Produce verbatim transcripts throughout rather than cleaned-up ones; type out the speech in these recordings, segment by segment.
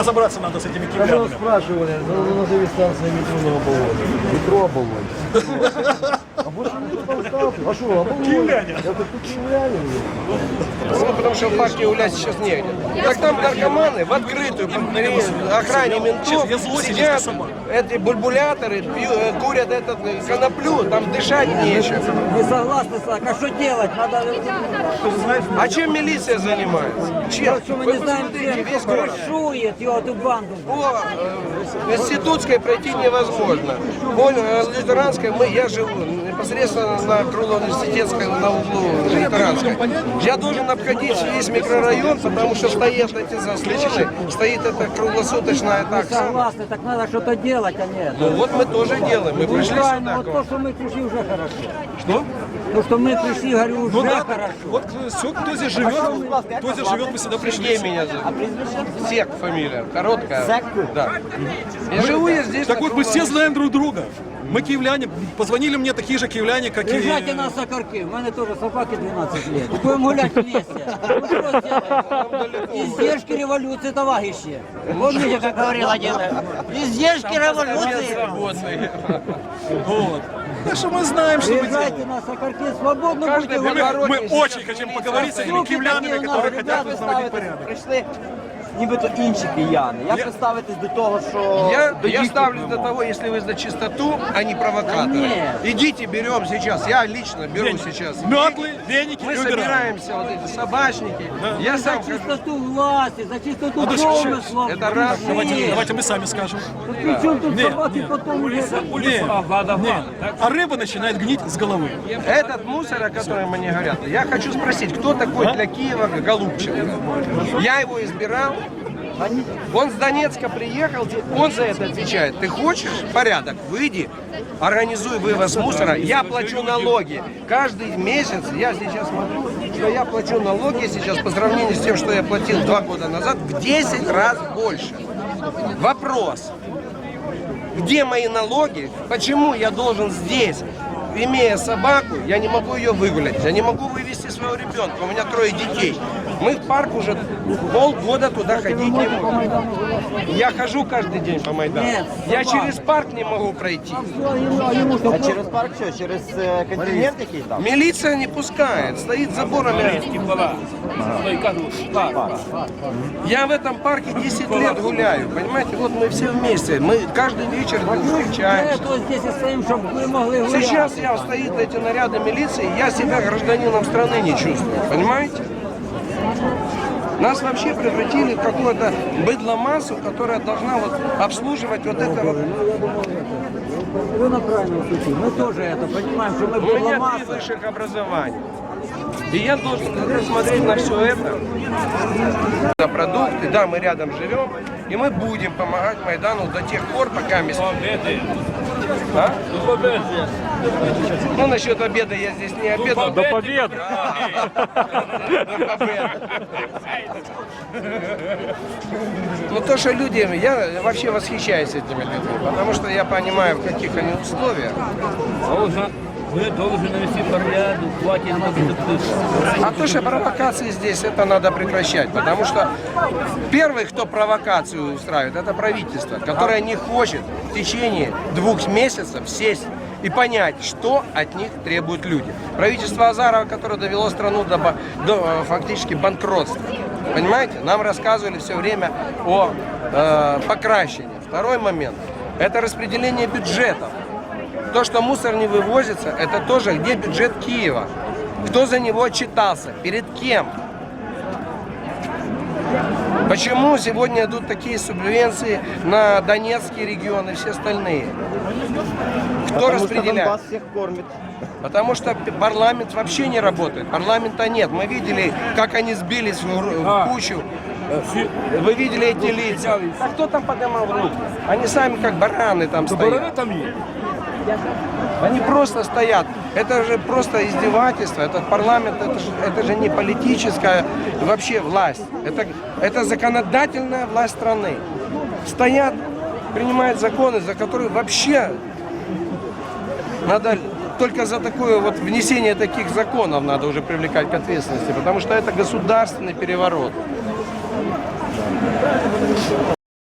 Разобраться надо с этими Когда киевлянами. спрашивали, назови станцию метро на Оболоне. Метро Оболонь. А больше никто там станцию. А что, Оболонь? Киевляне. Это тут киевляне. Ну, потому что в парке гулять сейчас негде. Так там наркоманы в открытую, при охране ментов, Я злой сидят, сидишь, эти бульбуляторы, пью- э, курят этот э, коноплю, там дышать нечем. Не согласны, так, а что делать? Надо... А чем милиция занимается? Чем? Что мы Вы не знаем, посмотрите, кто весь город. крышует его, эту банду. По э, Институтской пройти невозможно. По э, Лютеранской мы, я живу непосредственно на Крыло-Университетской, на углу Лютеранской. Я должен обходить весь микрорайон, потому что стоят эти заслоны, стоит эта круглосуточная Не такса. согласны, так надо что-то делать, а нет. Ну вот мы тоже делаем, мы пришли Правильно, сюда. вот то, что мы пришли, уже хорошо. Что? То, что мы пришли, говорю, уже Ну да, хорошо. вот все, кто здесь живет, кто здесь живет, мы сюда пришли. Сергей меня зовут. Сек фамилия, короткая. Да. Я живу я здесь. Так на вот, мы все Крыло- знаем друг друга. Мы киевляне, позвонили мне такие же киевляне, как и... Езжайте на Сокарки, у меня тоже собаке двенадцать лет. Будем гулять вместе. Ну что сделаем? Издержки революции, товарищи. Помните, как говорил один? Издержки революции. Работный. Вот. Так что мы знаем, что мы делаем. Езжайте на Сокарки, свободно Каждый будете Мы, гулять. мы очень хотим поговорить с этими киевлянами, которые хотят тут наводить порядок. Прийшли нібито інші кияни. Як ви ставитесь до того, що Я, до я їхніх ставлю до вимог? того, если вы за чистоту, а не провокаторы. нет. Идите, берем сейчас. Я лично беру Веник. сейчас. Метлы, веники Мы и убираем. собираемся, вот эти собачники. Я За сам хожу. чистоту власти, за чистоту А то домысла. это раз. Давайте, давайте мы сами скажем. Причем тут Нет, собаки нет. потом уже... Нет, нет. А рыба начинает гнить с головы. Этот мусор, о котором мне говорят, я хочу спросить, кто такой для Киева Голубченко? Я его избирал. Он с Донецка приехал, он за это отвечает. Ты хочешь порядок? Выйди, организуй вывоз мусора. Я плачу налоги. Каждый месяц, я сейчас смотрю, что я плачу налоги сейчас по сравнению с тем, что я платил два года назад, в десять раз больше. Вопрос. Где мои налоги? Почему я должен здесь, имея собаку, я не могу ее выгулять, я не могу вывести своего ребенка, у меня трое детей. Мы в парк уже полгода туда ходить не можем. Я хожу каждый день по Майдану. Нет, Я собака. через парк не могу пройти. А через парк що? Через е, континент який там? Милиция не пускает, стоит заборами. Я в этом парке десять лет гуляю, понимаете? Вот мы все вместе, мы каждый вечер встречаемся. Кто здесь и стоим, чтобы вы могли гулять. Сейчас я стоит эти наряды милиции, я себя гражданином страны не чувствую, понимаете? Нас вообще превратили в какую-то быдломассу, которая должна вот обслуживать вот это вот. Вы на правильном пути. Мы тоже это понимаем, что мы У меня три масса. высших образования. И я должен смотреть на все это, на продукты, да, мы рядом живем, и мы будем помогать Майдану до тех пор, пока мы... А? Ну, насчет обеда я здесь не обедал. До победы! До победы. Ну, то, что люди, я вообще восхищаюсь этими людьми, потому что я понимаю, в каких они условиях. Вы должны навести порядок, хватит А то, что провокации здесь, это надо прекращать, потому что первый, кто провокацию устраивает, это правительство, которое не хочет в течение двух месяцев сесть и понять, что от них требуют люди. Правительство Азарова, которое довело страну до, ба- до фактически банкротства. Понимаете? Нам рассказывали все время о э, покращении. Второй момент – это распределение бюджетов. То, что мусор не вывозится, это тоже где бюджет Киева. Кто за него отчитался? Перед кем? Почему сегодня идут такие субвенции на Донецкий регион и все остальные? Кто Потому что распределяет? Донбасс всех кормит. Потому что парламент вообще не работает. Парламента нет. Мы видели, как они сбились в, гру- в кучу. Вы видели эти лица. А кто там поднимал руки? Они сами как бараны там стоят. Они просто стоят. Это же просто издевательство. Этот парламент, это же, это же не политическая вообще власть. Это, это законодательная власть страны. Стоят, принимают законы, за которые вообще надо только за такое вот внесение таких законов надо уже привлекать к ответственности, потому что это государственный переворот.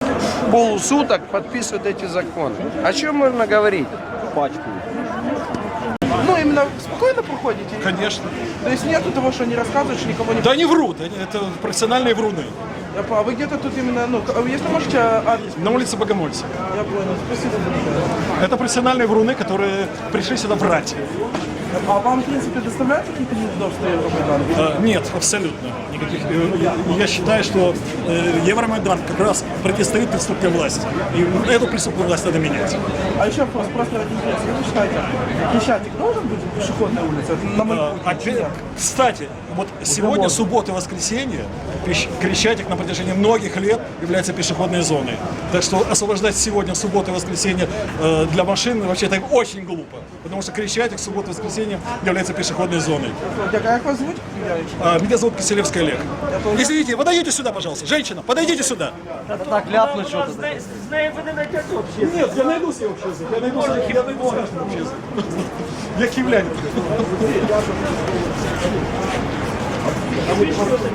полусуток подписывают эти законы. О чем можно говорить? Пачку. Ну, именно спокойно проходите? Конечно. То есть нету того, что не рассказываешь, никого не... Да они врут, они- это профессиональные вруны. Я понял. А вы где-то тут именно, ну, к- если можете адрес? На улице Богомольца. Я понял, спасибо большое. Это профессиональные вруны, которые пришли сюда врать. А вам, в принципе, доставляют какие-то неудобства Евромайдан? Э, Нет, абсолютно никаких. Э, Я, я считаю, что э, Евромайдан как раз противостоит преступной власти. И эту преступную власть надо менять. А еще вопрос, просто ради интереса. Как вы считаете, Крещатик должен быть пешеходной улицей? Это на мой Э, взгляд, опять- нет. Кстати, вот сегодня, суббота и воскресенье, Пещ- Крещатик на протяжении многих лет является пешеходной зоной. Так что освобождать сегодня, субботу и воскресенье э, для машин, вообще это очень глупо. Потому что Крещатик, суббота и воскресенье является пешеходной зоной. А как вас зовут? А, меня зовут Киселевский Олег. Извините, подойдите сюда, пожалуйста. Женщина, подойдите сюда. Так ляпнуть що-то. Нет, я найду себе общий язык. Я найду, я найду с каждым общий язык. Я киевлянин.